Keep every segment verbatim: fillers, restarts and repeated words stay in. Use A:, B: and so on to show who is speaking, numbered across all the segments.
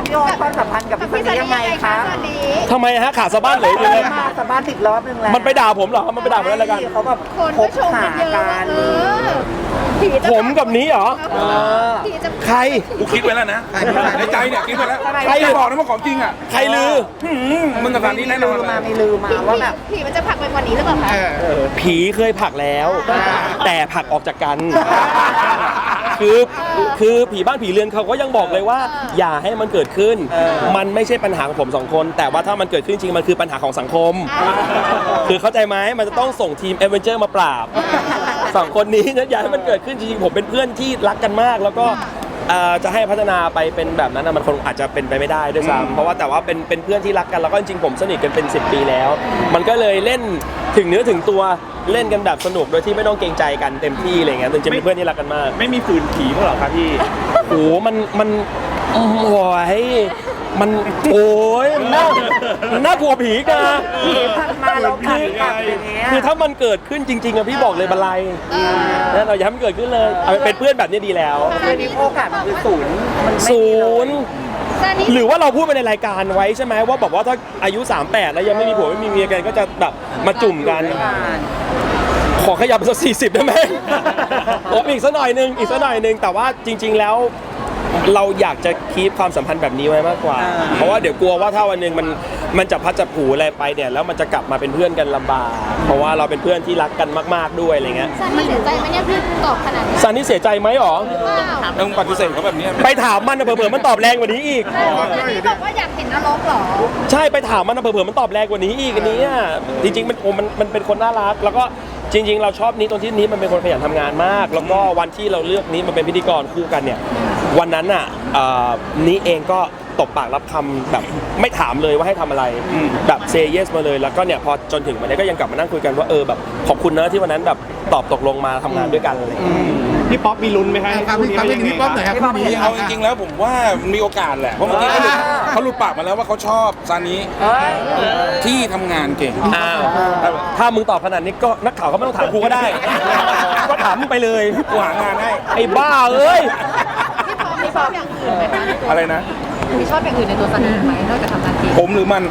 A: พี่โอ๊ตความสัมพันธ์กับพี่ซันนี่ยังไงคะตอนนี้
B: ทำไมฮะขาสะบ้านเหลยอยู่เลย
A: มาสะบ้านติดรอบนึงแล้ว
B: มันไปด่าผมเหรอมันไปด่าผมอะไรกัน
A: เขาแบบ
C: คนก็ชมกันเยอะว่าเออ
B: ผมกับนี้เหรอใคร
D: กูคิดไว้แล้วนะในใจเนี่ยคิดไว้แล้ว
B: ใคร
D: บอกนะว่าของจริงอ่ะ
B: ใครลือ
D: มึงกับสารนี้แน่นอน
A: มาไม่ลืมมาว่าแบบ
C: ผีมันจะผลักไปกว่านี้หรือเปล่าคะ
B: ผีเคยผลักแล้ว แต่ผลักออกจากกัน คือคือผีบ้านผีเรือนเขาก็ยังบอกเลยว่า อย่าให้มันเกิดขึ้น มันไม่ใช่ปัญหาของผมสองคน แต่ว่าถ้ามันเกิดขึ้นจริงมันคือปัญหาของสังคม คือเข้าใจไหมมันจะต้องส่งทีมเอเวนเจอร์มาปราบสองคนนี้นะอย่าให้มันเกิดขึ้นจริงๆผมเป็นเพื่อนที่รักกันมากแล้วก็จะให้พัฒนาไปเป็นแบบนั้นมันคงอาจจะเป็นไปไม่ได้ด้วยซ้ำเพราะว่าแต่ว่าเป็นเป็นเพื่อนที่รักกันแล้วก็จริงๆผมสนิทกันเป็นสิบปีแล้ว มันก็เลยเล่นถึงเนื้อถึงตัวเล่นกันแบบสนุกโดยที่ไม่ต้องเกรงใจกันเต็มที่อะไรเงี้ยจริงๆเป็นเพื่อนที่รักกันมาก
E: ไม่มีฝืนผีเขาหรอครับพี่
B: โอ้มันมันโอ้ยมันโอ้ยมันน่ามันน่ากลัวผีกัน
A: ผีพันมาแล้วขันกลับอย่างเงี้ย
B: คือถ้ามันเกิดขึ้นจริงๆอะพี่บอกเลยบันไลแล้วเราอย่าให้มันเกิดขึ้นเลยเอาเป็นเพื่อนแบบนี้ดีแล้ว
A: คือนี้โอกาสมันคือศูนย์มันไม่
B: ศูนย์หรือว่าเราพูดไปในรายการไว้ใช่ไหมว่าบอกว่าถ้าอายุสามสิบแปดแล้วยังไม่มีผัวไม่มีเมียกันก็จะแบบมาจุ่มกันขอขยับสักสี่สิบได้ไหมโอ้อีกสักหน่อยนึงอีกสักหน่อยนึงแต่ว่าจริง ๆแล้วเราอยากจะคีปความสัมพันธ์แบบนี้ไว้มากกว่าเพราะว่าเดี๋ยวกลัวว่าถ้าวันหนึ่งมันมันจะพัดจะผูอะไรไปเนี่ยแล้วมันจะกลับมาเป็นเพื่อนกันลำบากเพราะว่าเราเป็นเพื่อนที่รักกันมากๆด้วยอะไรเงี้ย
C: ซันนี่เสียใจไหมเนี่ยพี่ตอบขนาดนี้
B: ซันนี่เสียใจไหมหรอ
D: ต้องปฏิเสธเขาแบบนี้
B: ไปถามมันนะเผื่อๆมันตอบแรงกว่านี้อีก
C: ซันนี่บอกว่าอยากเห็นนรกเหรอ
B: ใช่ไปถามมันนะเผื่อๆมันตอบแรงกว่านี้อีกอันนี้จริงๆมันโอ้มันมันเป็นคนน่ารักแล้วก็จริงๆเราชอบนี้ตรงที่นี้มันเป็นคนขยันทำงานมากแล้วก็วันที่เราเลือกนี้มันเป็นพิธีกรคู่กันเนี่ยวันนั้นอ่ะนี้เองก็ตบปากรับคำแบบไม่ถามเลยว่าให้ทำอะไรแบบเซย์เยสมาเลยแล้วก็เนี่ยพอจนถึงวันนี้ก็ยังกลับมานั่งคุยกันว่าเออแบบขอบคุณนะที่วันนั้นแบบตอบตกลงมาทำงานด้วยกันอะไรอย่างเงี้ย
E: พี่ป๊อปมีลุ้นไหมครับ
F: ครับพี่พี่ป๊อปหน่อยครับพี่
D: เอาจริงๆแล้วผมว่ามีโอกาสแหละเพราะเมื่อกี้เขาหลุดเขาหลุดปากมาแล้วว่าเขาชอบซานิที่ทำงานเก่ง
B: อ้าวถ้ามึงตอบขนาดนี้ก็นักข่าวเขาไม่ต้องถามกูก็ได้ก็ถามมึงไปเลย
D: กูหางานให้
B: ไอ้บ้าเอ้ย
C: พี่ชอบอย่างอื่นไหมคะ
D: อะไรนะ
C: พี่ชอบอย่างอื่นในตัวซันนี่ไหมนอกจากทำงานเก่ง
D: ผมหรือมัน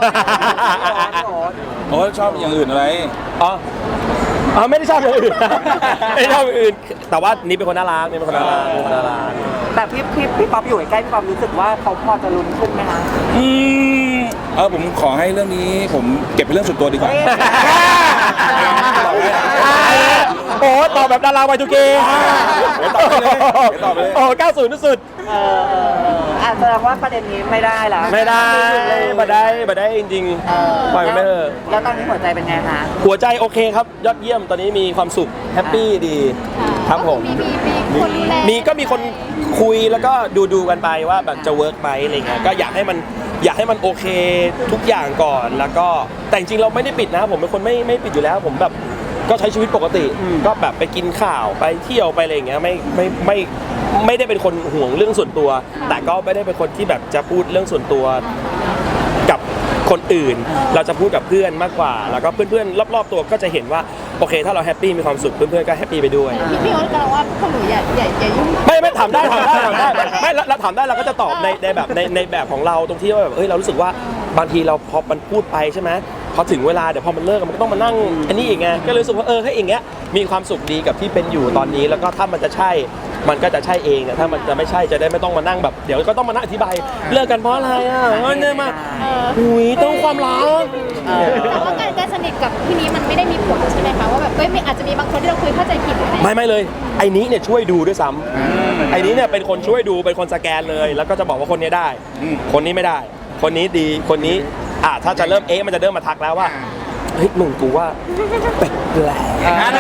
D: โอ้ชอบอย่างอื่นอะไร
B: อ๋ออ๋อไม่ได้ชอบอย่างอื่นไม่ชอบอย่างอื่นแต่ว่านี่เป็นคนน่ารักนี่เป็นคนน่ารักเป็นคนน่ารัก
A: แต่พี่พี่พี่ป๊อปอยู่ใกล้พี่ป๊อปรู้สึกว่าเขาพอจะลุ้นขึ้นไหมคะ
D: อืมเออผมขอให้เรื่องนี้ผมเก็บเป็นเรื่องส่วนตัวดีกว่า
B: โอ้ตอบแบบดาราวัยทูเก
D: ตอบไปเลยตอบไปเลย
B: โอ้เก้าศูนย์สุด
A: เออแสดงว่าประเด็นนี้ไม่ได้ละ
B: ไม่ได้ไม่ได้ไม่ได้จริงๆปล่อยไม่เถอะ
A: แล้วตอนนี้หัวใจเป็นไงคะ
B: หัวใจโอเคครับยอดเยี่ยมตอนนี้มีความสุขแฮปปี้ดีครับผม
C: มีคนดูแล
B: มีก็มีคนคุยแล้วก็ดูดูกันไปว่าแบบจะเวิร์กไหมอะไรเงี้ยก็อยากให้มันอยากให้มันโอเคทุกอย่างก่อนแล้วก็แต่จริงๆเราไม่ได้ปิดนะผมเป็นคนไม่ไม่ปิดอยู่แล้วผมแบบก็ใช้ชีวิตปกติก็แบบไปกินข้าวไปเที่ยวไปอะไรอย่างเงี้ยไม่ไม่ไม่ไม่ได้เป็นคนห่วงเรื่องส่วนตัวแต่ก็ไม่ได้เป็นคนที่แบบจะพูดเรื่องส่วนตัวกับคนอื่นเราจะพูดกับเพื่อนมากกว่าแล้วก็เพื่อนๆรอบๆตัวก็จะเห็นว่าโอเคถ้าเราแฮปปี้มีความสุขเพื่อนๆก็แฮปปี้ไปด้วย
C: พี่พี่โอ๊ตกำลังว่าพวกหนูอย่าอย่าอย่ายุ่ง
B: ไม่ไม่ถามได้ถามได้ถามได้ไม่เราถามได้เราก็จะตอบในในแบบในในแบบของเราตรงที่ว่าแบบเฮ้ยเรารู้สึกว่าบางทีเราพอมันพูดไปใช่ไหมพอถึงเวลาเดี๋ยวพอมันเลิกมันก็ต้องมานั่งอันนี้อีกไงก็เลยรู้สึกว่าเออให้อย่างเงี้ยมีความสุขดีกับที่เป็นอยู่ตอนนี้แล้วก็ถ้ามันจะใช่มันก็จะใช่เองแต่ถ้ามันจะไม่ใช่จะได้ไม่ต้องมานั่งแบบเดี๋ยวก็ต้องมานั่งอธิบายเลิกกันเพราะอะไรอ่ะงั้นเนี่ยมาหุยต้องความรัก
C: แต่ว่าการการสนิทกับพี่นี้มันไม่ได้มีผลใช่ไหมคะว่าแบบเอ้ยอาจจะมีบางคนที่เราคุยเข้าใจผิดอะไร
B: ไม่ไม่เลยไอ้นี้เนี่ยช่วยดูด้วยซ้ำไอ้นี้เนี่ยเป็นคนช่วยดูเป็นคนสแกนเลยแล้วก็จะบอกว่าคนนี้ได้คนนี้ไม่ได้คนนี้ดีคนนี้อ่ะถ้าจะเริ่มเอ๊ะมันจะเริ่มมาทักแล้วว่าเฮ้ยมึงกูว่าแปลกแปลกแปลก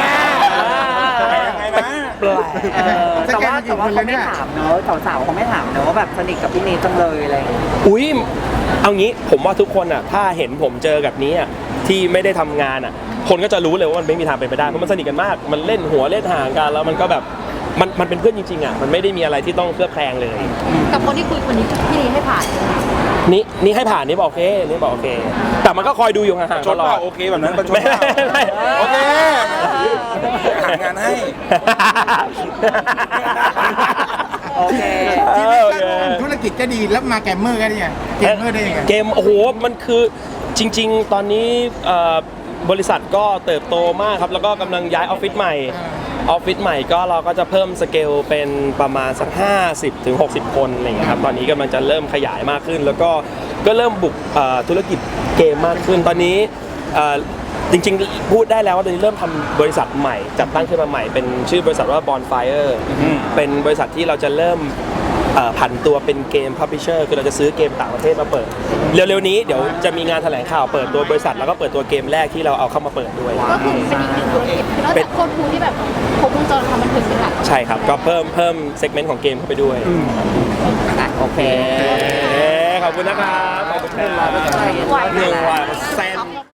A: แต่ว่าแต่ว่าเขาไม่ถามเนอะสาวๆเขาไม่ถามเนอะว่าแบบสนิทกับพี่เนยจังเลยอะไร
B: อุ้ยเอางี้ผมว่าทุกคนอ่ะถ้าเห็นผมเจอกับนี้อ่ะที่ไม่ได้ทำงานอ่ะคนก็จะรู้เลยว่ามันไม่มีทางเป็นไปได้เพราะมันสนิทกันมากมันเล่นหัวเล่นห่างกันแล้วมันก็แบบมันมันเป็นเพื่อนจริงๆอ่ะมันไม่ได้มีอะไรที่ต้องเคลือบแคลงเลย
C: กับคนที่คุยคนนี้พี่นี้ให้ผ่าน
B: นี่นี่ให้ผ่านนี่บอกโอเคนี่บอกโอเคแต่มันก็คอยดูอยู่ห่างๆตลอด
D: โอเคแบบนั้นประชดโอเคหางานให้
A: โอโอเค
F: ชีวิต
B: โอ
F: ก็
B: เค
F: ธุรกิจก็ดีแล้วมาแกมเมอร์ก็ได้ไงเกมเมอร์ได้ยังไง
B: เกมโอ้โหมันคือจริง ๆ ตอนนี้เอ่อบริษัทก็เติบโตมากครับแล้วก็กำลังย้ายออฟฟิศใหม่ออฟฟิศใหม่ก็เราก็จะเพิ่มสเกลเป็นประมาณสักห้าสิบถึงหกสิบคนอะไรอย่างเงี้ยครับตอนนี้กำลังจะเริ่มขยายมากขึ้น แล้วก็ก็เริ่มบุกเอ่อธุรกิจเกมมากขึ้นตอนนี้เอ่อจริงๆพูดได้แล้วว่าตอนนี้เริ่มทำบริษัทใหม่จัดตั้งขึ้นมาใหม่เป็นชื่อบริษัทว่า Bonfire เป็นบริษัทที่เราจะเริ่มเอ่อผันตัวเป็นเกมพับลิเชอร์คือเราจะซื้อเกมต่างประเทศมาเปิด เร็วๆนี้เดี๋ยวจะมีงานแถลงข่าวเปิดตัวบริษัทแล้วก็เปิดตัวเกมแรกที่เราเอาเข้ามาเปิดด้วย
C: ก็คือเป็นอีกหนึ่งธุรกิจคือนอกจากโคตรคูลที่แบบครบวงจรความบันเทิงเป็นหลัก
B: ใช่ครับ ก็เพิ่มเพิ่มเซกเมนต์ของเกมเข้าไปด้วย
A: อ่ะโอเค
B: เอ๊ะขอบคุณนะครับขอบคุณครับ
A: ไหว
B: หนึ่งวันแซน